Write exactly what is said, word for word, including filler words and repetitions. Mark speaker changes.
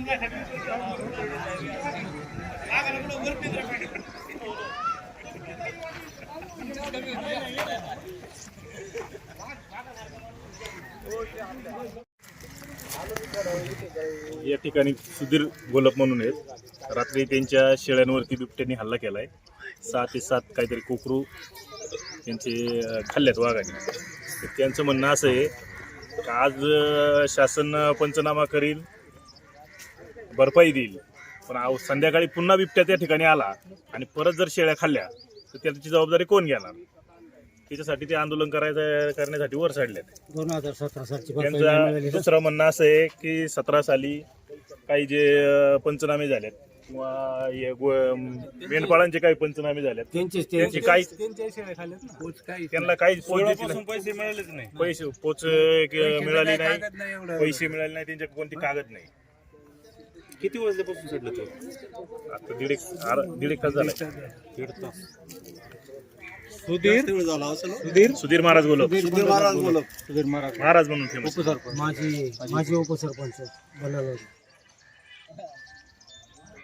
Speaker 1: या ठिकाणी सुधीर गोलप म्हणून आहेत. रात्री त्यांच्या शेळ्यांवरती बिबट्याने हल्ला केलाय. सहा ते सात काहीतरी कोकरू त्यांचे खाल्ल्यात वाघाने. तर त्यांचं म्हणणं असं आहे की आज शासन पंचनामा करील, भरपाई देईल, पण आव संध्याकाळी पुन्हा बिबट्या त्या ठिकाणी आला आणि परत जर शेळ्या खाल्ल्या तर त्याची जबाबदारी कोण घेणार. त्याच्यासाठी ते आंदोलन करायचं करण्यासाठी वर चढलेत.
Speaker 2: दोन हजार सतरा सालची
Speaker 1: त्यांचं दुसरं म्हणणं असं आहे की सतरा साली काही जे पंचनामे झालेत किंवा मेंढपाळांचे काही पंचनामे झालेत त्यांची काही त्यांना काही पैसे मिळालेच नाही, पैसे पोच मिळाली नाही, पैसे मिळाले नाही, त्यांच्या कोणती कागद नाही.
Speaker 3: किती वाजल्यापासून चढलं तो?
Speaker 1: आता दीड एक दीड एक तास झाला.
Speaker 3: दीड तास.
Speaker 2: सुधीर
Speaker 1: सुधीर सुधीर महाराज गोलप.
Speaker 2: सुधीर महाराज बोलत सुधीर महाराज
Speaker 1: महाराज म्हणून फेमस.
Speaker 2: उपसरपंच माझी माझी उपसरपंच बनवलं.